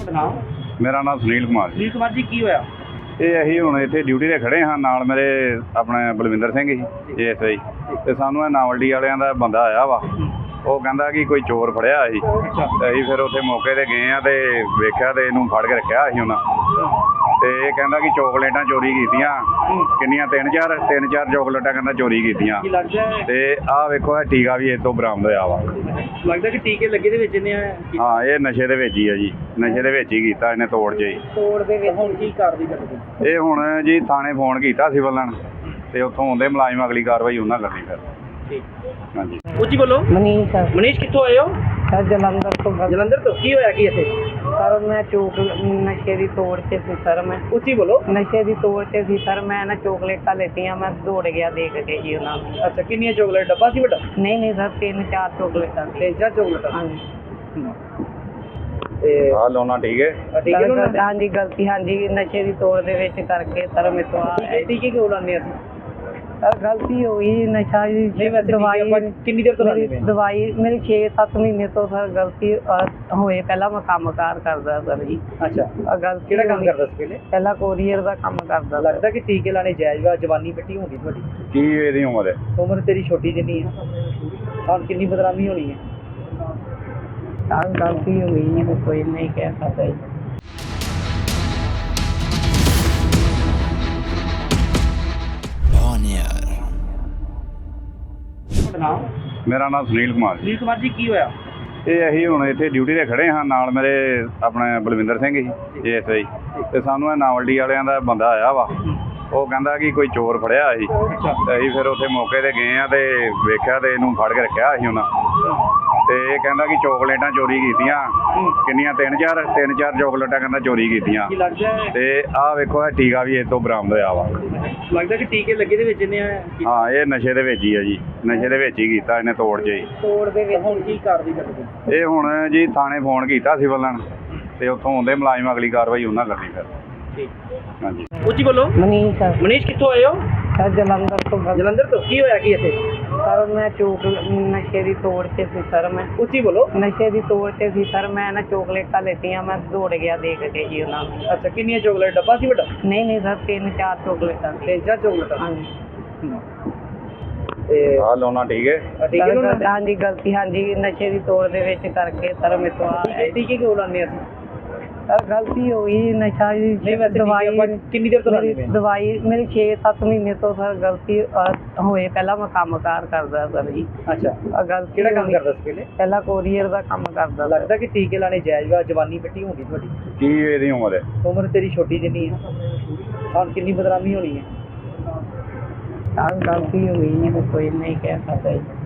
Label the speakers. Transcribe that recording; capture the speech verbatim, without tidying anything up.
Speaker 1: ਤੁਹਾਡਾ ਨਾਮ?
Speaker 2: ਮੇਰਾ ਨਾਮ ਸੁਨੀਲ ਕੁਮਾਰ ਜੀ।
Speaker 1: ਸੁਨੀਲ ਕੁਮਾਰ ਜੀ, ਕੀ ਹੋਇਆ?
Speaker 2: ਇਹ ਅਸੀਂ ਹੁਣ ਇੱਥੇ ਡਿਊਟੀ 'ਤੇ ਖੜੇ ਹਾਂ, ਨਾਲ ਮੇਰੇ ਆਪਣੇ ਬਲਵਿੰਦਰ ਸਿੰਘ ਜੀ ਏ ਐਸ ਆਈ, ਅਤੇ ਸਾਨੂੰ ਇਹ ਨਾਵਲਡੀ ਵਾਲਿਆਂ ਦਾ ਬੰਦਾ ਆਇਆ ਵਾ। ਉਹ ਕਹਿੰਦਾ ਕਿ ਕੋਈ ਚੋਰ ਫੜਿਆ ਸੀ, ਅਤੇ ਅਸੀਂ ਫਿਰ ਉੱਥੇ ਮੌਕੇ 'ਤੇ ਗਏ ਹਾਂ ਅਤੇ ਵੇਖਿਆ ਅਤੇ ਇਹਨੂੰ ਫੜ ਕੇ ਰੱਖਿਆ ਸੀ ਉਹਨਾਂ। ਅਤੇ ਇਹ ਕਹਿੰਦਾ ਕਿ ਚੋਕਲੇਟਾਂ ਚੋਰੀ ਕੀਤੀਆਂ, ਕਿੰਨੀਆਂ ਤਿੰਨ ਚਾਰ ਤਿੰਨ ਚਾਰ ਚੋਕਲੇਟਾਂ ਕਹਿੰਦਾ ਚੋਰੀ ਕੀਤੀਆਂ। ਅਤੇ ਆਹ ਵੇਖੋ ਇਹ ਟੀਕਾ ਵੀ ਇਹ ਤੋਂ ਬਰਾਮਦ ਹੋਇਆ ਵਾ।
Speaker 1: ਲੱਗਦਾ ਕਿ ਟੀਕੇ ਲੱਗੇ ਦੇ ਵਿੱਚ ਇਹਨੇ
Speaker 2: ਹਾਂ, ਇਹ ਨਸ਼ੇ ਦੇ ਵਿੱਚ ਹੀ ਆ ਜੀ, ਨਸ਼ੇ ਦੇ ਵਿੱਚ ਹੀ ਕੀਤਾ ਇਹਨੇ ਤੋੜ 'ਚ ਹੀ।
Speaker 1: ਤੋੜ ਦੇ ਵਿੱਚ ਹੁਣ ਕੀ ਕਾਰਵਾਈ ਕਰਦੇ?
Speaker 2: ਇਹ ਹੁਣ ਜੀ ਥਾਣੇ ਫੋਨ ਕੀਤਾ ਸਿਵਲ ਲਾਈਨ, ਅਤੇ ਉੱਥੋਂ ਆਉਂਦੇ ਮੁਲਾਜ਼ਮ ਅਗਲੀ ਕਾਰਵਾਈ ਉਹਨਾਂ ਕਰਨੀ ਫਿਰ। ਹਾਂਜੀ,
Speaker 1: ਉੱਚੀ ਬੋਲੋ।
Speaker 3: ਮਨੀਸ਼ ਸਰ।
Speaker 1: ਮਨੀਸ਼ ਕਿੱਥੋਂ ਆਏ ਹੋ?
Speaker 3: ਸਰ ਜਲੰਧਰ ਤੋਂ।
Speaker 1: ਜਲੰਧਰ ਤੋਂ। ਕੀ ਹੋਇਆ ਕੀ ਇੱਥੇ?
Speaker 3: ਸਰ ਮੈਂ ਚੋਕ ਨਸ਼ੇ ਦੀ ਤੋੜ 'ਚ ਸੀ ਸਰ। ਮੈਂ
Speaker 1: ਉੱਚੀ ਬੋਲੋ।
Speaker 3: ਨਸ਼ੇ ਦੀ ਤੋੜ 'ਚ ਸੀ ਸਰ। ਮੈਂ ਨਾ ਚੋਕਲੇਟਾਂ ਲੈਤੀਆਂ, ਮੈਂ ਦੌੜ ਗਿਆ ਦੇਖ ਕੇ ਜੀ ਉਹਨਾਂ ਨੂੰ।
Speaker 1: ਅੱਛਾ, ਕਿੰਨੀਆਂ ਚੋਕਲੇਟ? ਡੱਬਾ ਸੀ ਵੱਡਾ?
Speaker 3: ਨਹੀਂ ਨਹੀਂ ਸਰ, ਤਿੰਨ ਚਾਰ ਚੋਕਲੇਟਾਂ ਸੀ।
Speaker 1: ਤਿੰਨ ਚਾਰ ਚੋਕਲੇਟਾਂ?
Speaker 3: ਹਾਂਜੀ।
Speaker 1: ਤੇ
Speaker 2: ਆਹ ਲਾਉਣਾ ਠੀਕ ਹੈ।
Speaker 1: ਠੀਕ ਹੈ
Speaker 3: ਸਰ, ਹਾਂਜੀ ਗਲਤੀ, ਹਾਂਜੀ ਨਸ਼ੇ ਦੀ ਤੋੜ ਦੇ ਵਿੱਚ ਕਰਕੇ ਸਰ ਮੇਰੇ ਤੋਂ ਆ
Speaker 1: ਟੀਕੇ ਕਿਉਂ ਲਾਉਂਦੇ ਅਸੀਂ?
Speaker 3: ਸਰ ਗਲਤੀ ਹੋ ਗਈ, ਨਸ਼ਾ ਦੀ ਦਵਾਈ।
Speaker 1: ਕਿੰਨੀ ਦੇਰ ਤੋਂ ਲਾਉਂਦੇ ਪਏ?
Speaker 3: ਦਵਾਈ ਮੇਰੀ ਛੇ ਸੱਤ ਮਹੀਨੇ ਤੋਂ ਸਰ ਗਲਤੀ ਅਹ, ਹੋਏ। ਪਹਿਲਾਂ ਮੈਂ ਕੰਮ ਕਾਰ ਕਰਦਾ ਸਰ ਜੀ।
Speaker 1: ਅੱਛਾ,
Speaker 3: ਆਹ ਗਲਤੀ
Speaker 1: ਕਿਹੜਾ ਕੰਮ
Speaker 3: ਹੋਈ।
Speaker 1: ਕਰਦਾ ਸੀ ਪਹਿਲੇ?
Speaker 3: ਪਹਿਲਾਂ ਕੋਰੀਅਰ ਦਾ ਕੰਮ ਕਰਦਾ।
Speaker 1: ਲੱਗਦਾ ਕਿ ਟੀਕੇ ਲਾਣੇ ਜਾਇਜ਼ ਵਾ, ਜਵਾਨੀ ਮਿੱਟੀ ਹੁੰਦੀ ਤੁਹਾਡੀ।
Speaker 2: ਕੀ ਇਹਦੀ ਉਮਰ ਹੈ?
Speaker 1: ਉਮਰ ਤੇਰੀ ਛੋਟੀ ਜਿੰਨੀ ਹੈ, ਹੁਣ ਕਿੰਨੀ ਬਦਨਾਮੀ ਹੋਣੀ ਹੈ?
Speaker 3: ਸਰ ਗਲਤੀ ਹੋ ਗਈ ਜੀ, ਕੋਈ ਨਹੀਂ ਕਹਿ ਸਕਦਾ ਜੀ।
Speaker 1: ਤੁਹਾਡਾ ਨਾਮ?
Speaker 2: ਮੇਰਾ ਨਾਮ ਸੁਨੀਲ ਕੁਮਾਰ ਜੀ।
Speaker 1: ਸੁਨੀਲ ਕੁਮਾਰ ਜੀ, ਕੀ ਹੋਇਆ?
Speaker 2: ਇਹ ਅਸੀਂ ਹੁਣ ਇੱਥੇ ਡਿਊਟੀ 'ਤੇ ਖੜੇ ਹਾਂ, ਨਾਲ ਮੇਰੇ ਆਪਣੇ ਬਲਵਿੰਦਰ ਸਿੰਘ ਜੀ ਏ ਐਸ ਆਈ, ਅਤੇ ਸਾਨੂੰ ਇਹ ਨਾਵਲਡੀ ਵਾਲਿਆਂ ਦਾ ਬੰਦਾ ਆਇਆ ਵਾ। ਉਹ ਕਹਿੰਦਾ ਕਿ ਕੋਈ ਚੋਰ ਫੜਿਆ ਸੀ, ਅਤੇ ਅਸੀਂ ਫਿਰ ਉੱਥੇ ਮੌਕੇ 'ਤੇ ਗਏ ਹਾਂ ਅਤੇ ਵੇਖਿਆ ਅਤੇ ਇਹਨੂੰ ਫੜ ਕੇ ਰੱਖਿਆ ਸੀ ਉਹਨਾਂ। ਅਤੇ ਇਹ ਕਹਿੰਦਾ ਕਿ ਚੋਕਲੇਟਾਂ ਚੋਰੀ ਕੀਤੀਆਂ, ਕਿੰਨੀਆਂ ਤਿੰਨ ਚਾਰ ਤਿੰਨ ਚਾਰ ਚੋਕਲੇਟਾਂ ਕਹਿੰਦਾ ਚੋਰੀ ਕੀਤੀਆਂ।
Speaker 1: ਕੀ ਲੱਗਦਾ?
Speaker 2: ਅਤੇ ਆਹ ਵੇਖੋ ਇਹ ਟੀਕਾ ਵੀ ਇਹ ਤੋਂ ਬਰਾਮਦ ਹੋਇਆ ਵਾ।
Speaker 1: ਲੱਗਦਾ ਕਿ ਟੀਕੇ ਲੱਗੇ ਦੇ ਵਿੱਚ ਇਹਨੇ
Speaker 2: ਹਾਂ, ਇਹ ਨਸ਼ੇ ਦੇ ਵਿੱਚ ਹੀ ਆ ਜੀ, ਨਸ਼ੇ ਦੇ ਵਿੱਚ ਹੀ ਕੀਤਾ ਇਹਨੇ ਤੋੜ 'ਚ ਹੀ।
Speaker 1: ਤੋੜ ਦੇ ਵਿੱਚ ਹੁਣ ਕੀ ਕਾਰਵਾਈ ਕਰਦੇ?
Speaker 2: ਇਹ ਹੁਣ ਜੀ ਥਾਣੇ ਫੋਨ ਕੀਤਾ ਸਿਵਲ ਲਾਈਨ, ਅਤੇ ਉੱਥੋਂ ਆਉਂਦੇ ਮੁਲਾਜ਼ਮ ਅਗਲੀ ਕਾਰਵਾਈ ਉਹਨਾਂ ਕਰਨੀ ਫਿਰ। ਹਾਂਜੀ,
Speaker 1: ਉੱਚੀ ਬੋਲੋ।
Speaker 3: ਮਨੀਸ਼ ਸਰ।
Speaker 1: ਮਨੀਸ਼ ਕਿੱਥੋਂ ਆਏ ਹੋ?
Speaker 3: ਸਰ ਜਲੰਧਰ ਤੋਂ।
Speaker 1: ਜਲੰਧਰ ਤੋਂ। ਕੀ ਹੋਇਆ ਕੀ ਇੱਥੇ?
Speaker 3: ਸਰ ਮੈਂ ਚੋਕ ਨਸ਼ੇ ਦੀ ਤੋੜ 'ਚ ਸੀ ਸਰ। ਮੈਂ
Speaker 1: ਉੱਚੀ ਬੋਲੋ।
Speaker 3: ਨਸ਼ੇ ਦੀ ਤੋੜ 'ਚ ਸੀ ਸਰ। ਮੈਂ ਨਾ ਚੋਕਲੇਟਾਂ ਲੈਤੀਆਂ, ਮੈਂ ਦੌੜ ਗਿਆ ਦੇਖ ਕੇ ਜੀ ਉਹਨਾਂ ਨੂੰ।
Speaker 1: ਅੱਛਾ, ਕਿੰਨੀਆਂ ਚੋਕਲੇਟ? ਡੱਬਾ ਸੀ ਵੱਡਾ?
Speaker 3: ਨਹੀਂ ਨਹੀਂ ਸਰ, ਤਿੰਨ ਚਾਰ ਚੋਕਲੇਟਾਂ ਸੀ।
Speaker 1: ਤਿੰਨ ਚਾਰ ਚੋਕਲੇਟਾਂ?
Speaker 3: ਹਾਂਜੀ।
Speaker 1: ਤੇ
Speaker 2: ਆਹ ਲਾਉਣਾ ਠੀਕ ਹੈ।
Speaker 1: ਟੀਕੇ ਕਿਉਂ ਲਾਉਂਦੇ?
Speaker 3: ਹਾਂਜੀ ਗਲਤੀ, ਹਾਂਜੀ ਨਸ਼ੇ ਦੀ ਤੋੜ ਦੇ ਵਿੱਚ ਕਰਕੇ ਸਰ ਮੇਰੇ ਤੋਂ ਆ
Speaker 1: ਟੀਕੇ ਕਿਉਂ ਲਾਉਂਦੇ ਅਸੀਂ?
Speaker 3: ਸਰ ਗਲਤੀ ਹੋ ਗਈ, ਨਸ਼ਾ ਦੀ ਦਵਾਈ।
Speaker 1: ਕਿੰਨੀ ਦੇਰ ਤੋਂ ਲਾਉਂਦੇ ਪਏ?
Speaker 3: ਦਵਾਈ ਮੇਰੀ ਛੇ ਸੱਤ ਮਹੀਨੇ ਤੋਂ ਸਰ ਗਲਤੀ ਅਹ, ਹੋਏ। ਪਹਿਲਾਂ ਮੈਂ ਕੰਮ ਕਾਰ ਕਰਦਾ ਸਰ ਜੀ।
Speaker 1: ਅੱਛਾ,
Speaker 3: ਆਹ ਗਲਤੀ
Speaker 1: ਕਿਹੜਾ ਕੰਮ
Speaker 3: ਹੋਈ।
Speaker 1: ਕਰਦਾ ਸੀ ਪਹਿਲੇ?
Speaker 3: ਪਹਿਲਾਂ ਕੋਰੀਅਰ ਦਾ ਕੰਮ ਕਰਦਾ।
Speaker 1: ਲੱਗਦਾ ਕਿ ਟੀਕੇ ਲਾਣੇ ਜਾਇਜ਼ ਵਾ, ਜਵਾਨੀ ਮਿੱਟੀ ਹੁੰਦੀ ਤੁਹਾਡੀ।
Speaker 2: ਕੀ ਇਹਦੀ ਉਮਰ ਹੈ?
Speaker 1: ਉਮਰ ਤੇਰੀ ਛੋਟੀ ਜਿੰਨੀ ਹੈ, ਹੁਣ ਕਿੰਨੀ ਬਦਨਾਮੀ ਹੋਣੀ ਹੈ?
Speaker 3: ਸਰ ਗਲਤੀ ਹੋ ਗਈ ਜੀ, ਕੋਈ ਨਹੀਂ ਕਹਿ ਸਕਦਾ ਜੀ।